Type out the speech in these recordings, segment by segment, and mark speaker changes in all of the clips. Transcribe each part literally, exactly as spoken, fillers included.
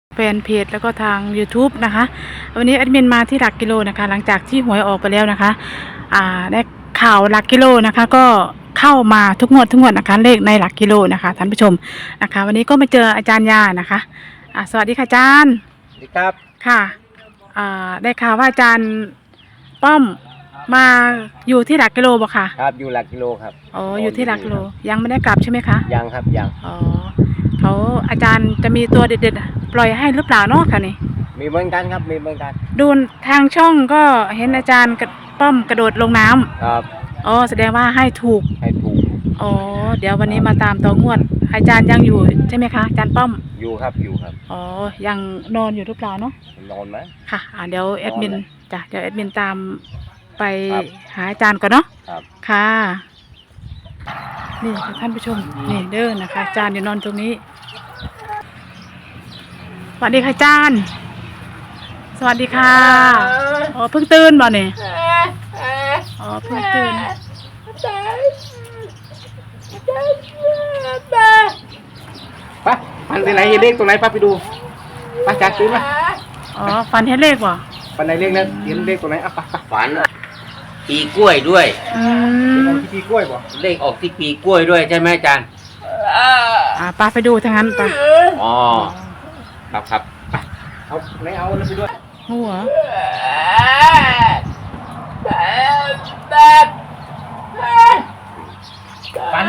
Speaker 1: แฟนเพจแล้วก็ทาง YouTube นะคะวันนี้แอดมินมาที่หลักกิโลนะคะหลังจากที่หวยออกไปแล้วนะคะอ่าได้ข่าวหลักกิโลนะคะก็เข้ามาทุกงวดทุกงวดนะคะเลขในหลักกิโลนะคะท่านผู้ชมนะคะวันนี้ก็มาเจออาจารย์ยานะคะอ่าสวัสดีค่ะอาจารย์
Speaker 2: สวัสดีครับ
Speaker 1: ค่ะอ่าได้ข่าวว่าอาจารย์ป้อมมาอยู่ที่หลักกิโลบ่ค่ะ
Speaker 2: ครับอยู่หลักกิโลครับ
Speaker 1: อ๋ออยู่ที่หลักกิโลยังไม่ได้กลับใช่ไหมคะ
Speaker 2: ยังครับยัง
Speaker 1: อ๋อเขาอาจารย์จะมีตัวเด็ดๆปล่อยให้หรือเปล่าเนาะค่ะนี่
Speaker 2: มีเหมือนกันครับมีเหมือนกัน
Speaker 1: ดูทางช่องก็เห็นอาจารย์กระป้อมกระโดดลงน้ำ
Speaker 2: ครับ
Speaker 1: อ๋อแสดงว่าให้ถูก
Speaker 2: ให้ถูก
Speaker 1: อ๋อเดี๋ยววันนี้มาตามต่องวดอาจารย์ยังอยู่ใช่ไหมคะอาจารย์ป้อม
Speaker 2: อยู่ครับอยู่ครับ
Speaker 1: อ๋อยังนอนอยู่หรือเปล่าเนาะ
Speaker 2: นอนไหม
Speaker 1: ค่ะอ่าเดี๋ยวแอดมินจ้ะเดี๋ยวแอดมินตามไปหาอาจารย์ก่อนเนาะ
Speaker 2: ครับ
Speaker 1: ค่ะนี่ท่านผู้ชมนี่เด้อนะคะอาจารย์อยู่นอนตรงนี้สวัสดีค่ะอาจารย์สวัสดีค่ะอ๋อเพิ่งตื่นบ่เนี่ยอ๋อเพิ่งตื่น
Speaker 2: ไปฟันที่ไหนเห็นเลขตรงไหนป้าไปดูไปจัดตื่นมา
Speaker 1: อ๋อฟันเห็นเลขบ่
Speaker 2: ฟันไหนเลขนั้นเห็นเลขตรงไหนอ่ะไปไป
Speaker 3: ฝันปีกล้วยด้วย
Speaker 1: อืม
Speaker 2: ที่ปีกล้วยบ่
Speaker 3: เลขออกที่ปีกล้วยด้วยใช่ไหมอาจารย์
Speaker 1: อ่าป้าไปดูทางนั้นป้า
Speaker 3: อ๋อครับครับไป
Speaker 2: เอาไหนเอาแล้วไปด้วย
Speaker 1: หัว
Speaker 2: ฟัน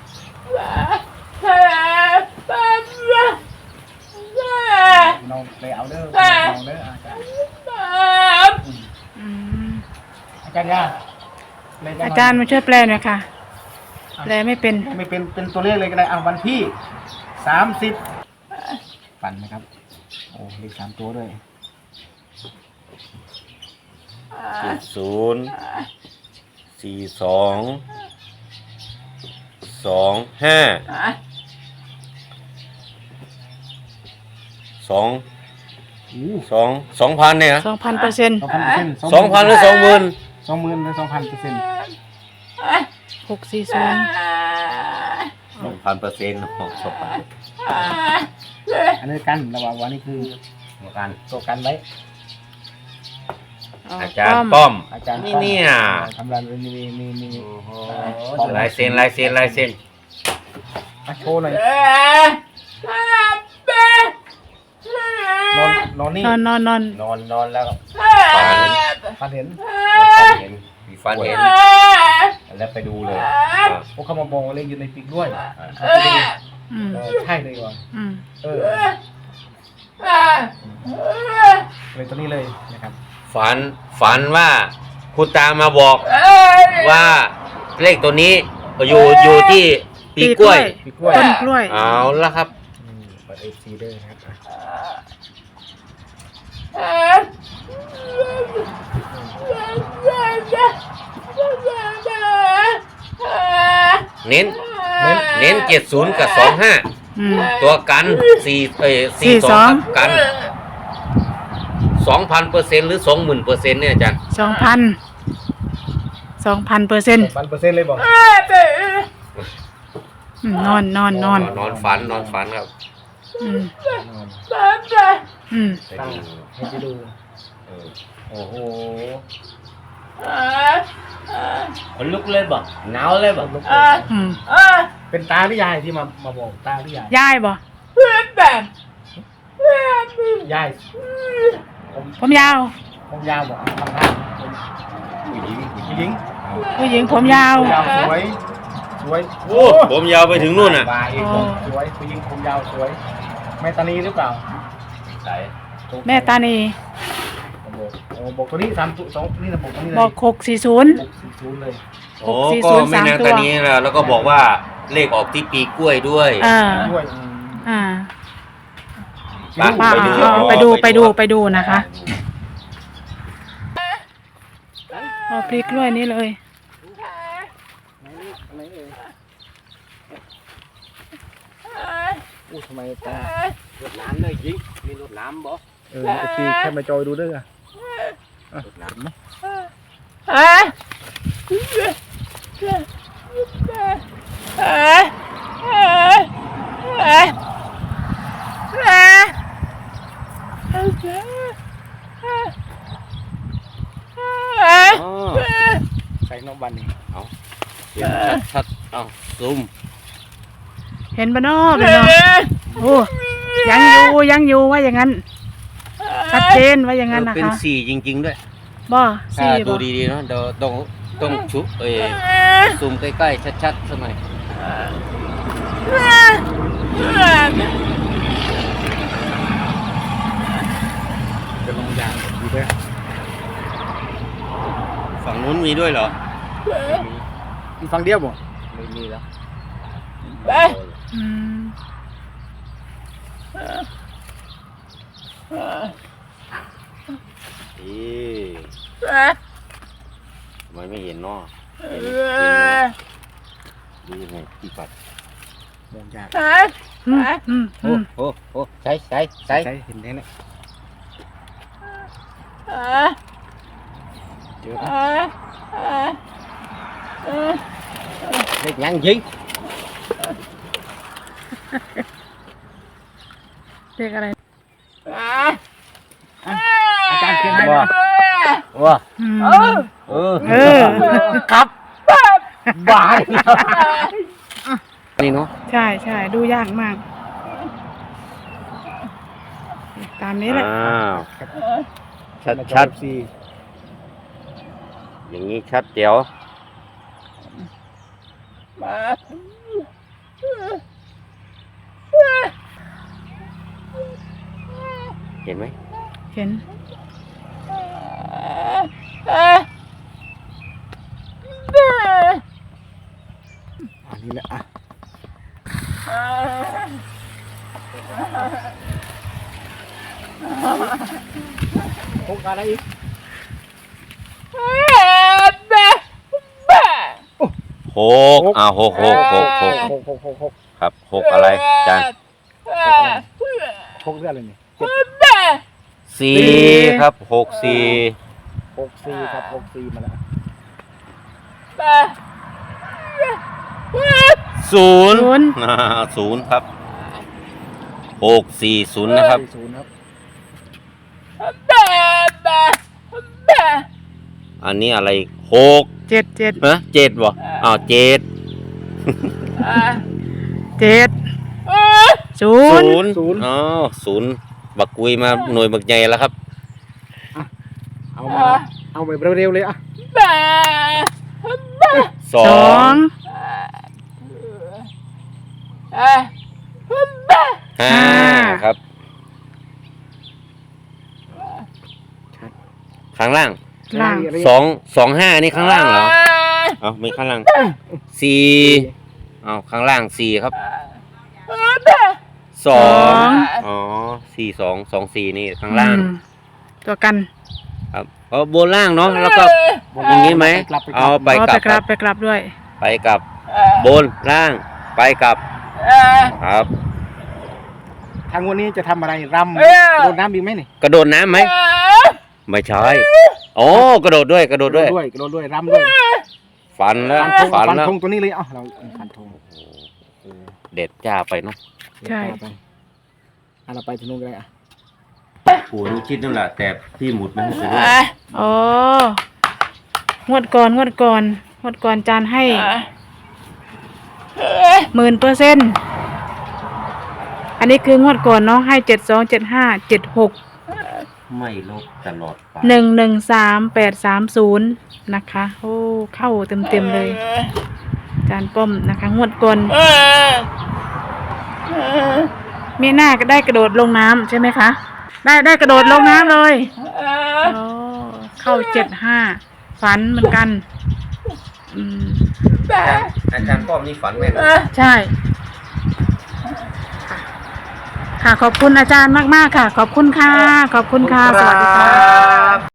Speaker 2: น้องไปเอาเด้อน้องเด้ออาจารย์
Speaker 1: อืม
Speaker 2: อาจารย์ยา
Speaker 1: อาจารย์มาช่วยแปลหน่อยค่ะแปลไม่เป็น
Speaker 2: ไม่เป็นเป็นตัวเลขเลยก็ได้อ่ะวันที่สามสิบฟันนะครับโอ้เลขสามตัวด้วย
Speaker 3: ศูนย์สี่สองสองห้าสองสองสองพันเนี่ย
Speaker 1: สองพันเปอร์เซ็นต์
Speaker 2: สองพันเปอร์เซ็นต์
Speaker 3: สองพันหรือสองหมื่น
Speaker 2: สองหมื่นหรือสองพันเปอร์เซ็นต์
Speaker 1: หกสี่ศูนย์
Speaker 3: สองพันเปอร์เซ็นต์หกสองพัน
Speaker 2: อันนี้กันระหว่างวันนี้คือตัวกันตัวกันไว้
Speaker 3: อาจารย์ป้อม
Speaker 2: อาจารย์
Speaker 3: นี่เนี่ย
Speaker 2: ทำรายมีมีมี
Speaker 3: ลายเซ็นลายเซ็นลายเซ็น
Speaker 2: มาโชว์หน่อยนอนนอนนี่
Speaker 1: นอนนอนนอน
Speaker 3: นอนนอนแล้ว
Speaker 2: ฟันเห็น
Speaker 3: ฟันเห็นมีฟันเห็นแล้วไปดูเลย
Speaker 2: พวกเขามาบอกว่าเลขอยู่ในปีกด้วยใช่เลยว่ะเออเลยตัวนี้เลยนะครับ
Speaker 3: ฝันฝันว่าคุณตามาบอกว่าเลขตัวนี้อยู่อยู่ที่ปีกล้วย
Speaker 1: ต้นกล้วย
Speaker 3: เอาละครับ
Speaker 2: เปิดเอฟซีด้วยนะครับ
Speaker 3: เน้นเน้นเจ็ดศูนย์กับสองห้าตัวกันสี่เอ้สี่สองกันสองพันเปอร์เซ็นต์หรือสองหมื่นเปอร์เซ็นต์เนี่ยอาจารย์
Speaker 1: สองพันสองพันเปอร์เซ็นต์
Speaker 2: พันเปอร์เซ็นต์เลยบอก
Speaker 1: นอนนอนนอน
Speaker 3: นอนฝันนอนฝันครับ
Speaker 1: อืมอืม
Speaker 2: ให้ไปดูโอ้โห
Speaker 3: มันลุกเลยบ่หนาวเลยบ่
Speaker 2: เป็นตาหรือยายที่มามาบอกตาหรือยาย
Speaker 1: ยายบ่
Speaker 2: ยาย
Speaker 1: ผมยาว
Speaker 2: ผมยาวบอกทำท่าผู้หญิงผู้หญิง
Speaker 1: ผู้หญิงผมยาว
Speaker 2: สวยสวย
Speaker 3: โอ้ผมยาวไปถึงนู่นน่ะ
Speaker 2: สวยผู้หญิงผมยาวสวยแม่ตานีหรือเปล่า
Speaker 3: ใช่
Speaker 1: แม่ตานี
Speaker 2: บอกตัวนี้สามตัวสองนี่นะบอกตัวนี้เลย
Speaker 1: บอกหกสี่ศูนย์
Speaker 2: หกสี่ศูนย์เลย
Speaker 3: โอ้ก็ไม่นานตอนนี้แล้วแล้วก็บอกว่าเลขออกที่ปีกล้วยด้วย
Speaker 1: อ่า
Speaker 2: ด้วย
Speaker 1: อ่าไปดูไปดูไปดูไปดูนะคะอ๋อปีกล้วยนี่เลย
Speaker 2: อู้ทำไมตารถน้ำเลยจริงมีรถน้ำบ่เออทีแค่มาจอยดูด้วยอ่ะรถน้ำไหมน้องบันนี่
Speaker 3: เอาเห็นชัดชัดๆเอาซูม
Speaker 1: เห็นปะเนาะเป็นเนาะโอ้ยังอยู่ยังอยู่ว่าอย่างนั้นชัดเจนว่าอย่างนั้นนะ
Speaker 3: เป็น
Speaker 1: คะ
Speaker 3: สี่จริง ๆ ด้วย
Speaker 1: บ่
Speaker 3: ถ้า
Speaker 1: สี่
Speaker 3: ดู
Speaker 1: บ่
Speaker 3: ดีๆเนาะเดี๋ยวต้องต้องชุเอ้ยซูมใกล้ๆชัดๆสักหน่อย
Speaker 2: จะลงยางดูด้วย
Speaker 3: ฝั่งนู้นมีด้วยเหรอ
Speaker 2: มีฟังเดียวบ่
Speaker 3: ไม่มีแล้ว
Speaker 1: อืม
Speaker 3: อีทำไมไม่เห็นเนาะเห็นเห็นดูยังไงพี่ปัด
Speaker 2: มองยาก
Speaker 1: อืมอืม
Speaker 3: โอ้
Speaker 1: อืม
Speaker 3: โหโอ้ใช้ใช้ใช้
Speaker 2: ใช่เห็นแน่เนี่ยเจอเล็กยังยิง
Speaker 1: เรียกอะไร
Speaker 2: อาจารย์เขียนให้
Speaker 3: ว้า
Speaker 2: นะ
Speaker 3: ว้า
Speaker 1: อืม
Speaker 3: เออ
Speaker 1: เออ
Speaker 3: ครับบายนี่เนาะ
Speaker 1: ใช่ใช่ดูยากมาก ตามนี้แหละ
Speaker 3: อ้าวชัด
Speaker 2: มาจอ
Speaker 3: ชัด
Speaker 2: สี่
Speaker 3: อย่างนี้ชัดเจ๋วเห็นไหม
Speaker 1: เห็น
Speaker 2: อันนี้แหละอ่ะพกอะไรอีก
Speaker 3: หกอ่าหกหกหกหก
Speaker 2: หกหกหกหก
Speaker 3: ครับหกอะไรจาน
Speaker 2: หกเรื่องอะไรนี่เจ็ด
Speaker 3: สี่ครับหกสี่
Speaker 2: หกสี่ครับหกสี่มาแล้ว
Speaker 3: ศูนย์อ่าศูนย์ครับหกสี่ศูนย์นะครับ
Speaker 2: ศูนย์ครับ
Speaker 3: อันนี้อะไรหก
Speaker 1: เจ็ดเจ็ด
Speaker 3: ฮะเจ็ดบ่อ้าวเจ็ด
Speaker 1: เจ็ดศูนย์
Speaker 3: ศูนย์อ๋อศูนย์บักกุยมาหน่วยบักใหญ่แล้วครับ
Speaker 2: เอามาเอาไปเร็วๆเลยอ่ะ
Speaker 3: สอ
Speaker 1: สอง ง
Speaker 3: ห้าครับ ข้างล่าง
Speaker 1: ล่าง
Speaker 3: สองสองห้านี่ข้างล่างเหรอเอาไม่ข้างล่างสี่เอาข้างล่างสี่ครับสองอ๋อสี่สองสองสี่นี่ข้างล่าง
Speaker 1: อืมตัวกัน
Speaker 3: ครับเอาบนล่างเนาะแล้วก็อย่างนี้ไหมเอาไป
Speaker 1: อ๋อก
Speaker 3: ลั
Speaker 1: ไป
Speaker 3: บ
Speaker 1: กลับไปกลับด้วย
Speaker 3: ไปกับบนล่างไปกลับครับ
Speaker 2: ทางวันนี้จะทำอะไรรำโดนน้ำดีไหมนี่
Speaker 3: กระโดดน้ำไหมไม่ใช่โอ้กระโดดด้วยกระโดดด้วย
Speaker 2: ด้วยกระโดดด้วยรำด้วย
Speaker 3: ฟันแล้ว
Speaker 2: ฟันธง
Speaker 3: ฟัน
Speaker 2: ฟัน
Speaker 3: แล้ว
Speaker 2: ธงตัวนี้เลยเอ้าเราฟันธง
Speaker 3: เด็ดจ้าไปเนาะ
Speaker 1: ใช่
Speaker 2: ไปอ่ะเราไปที่นู้นกันเลยอ่ะ
Speaker 3: ปู่นี่คิดนั่นแหละแต่พี่หมุดไม่ให้ไป
Speaker 1: อ๋องวดก่อนงวดก่อนงวดก่อนจานให้หมื่นเปอร์เซ็นต์อันนี้คืองวดก่อนเนาะให้เจ็ดสองเจ็ดห้าเจ็ดหก
Speaker 3: ไม่ลบตลอดไป
Speaker 1: หนึ่งหนึ่งสามแปดสามศูนย์นะคะโอ้เข้าเต็มเต็มๆเลยจานป้อมนะคะงวดก่อนมีหน้าก็ได้กระโดดลงน้ำใช่ไหมคะได้ได้กระโดดลงน้ำเลยโอ้เข้าเจ็ดห้าฝันเหมือนกันอืม
Speaker 3: อาจารย์ป้อมนี่ฝันแม่น
Speaker 1: ใช่ ค่ะขอบคุณอาจารย์มาก ๆ ค่ะ ขอบคุณค่ะ ขอบคุณค่ะ สวัสดีค่ะ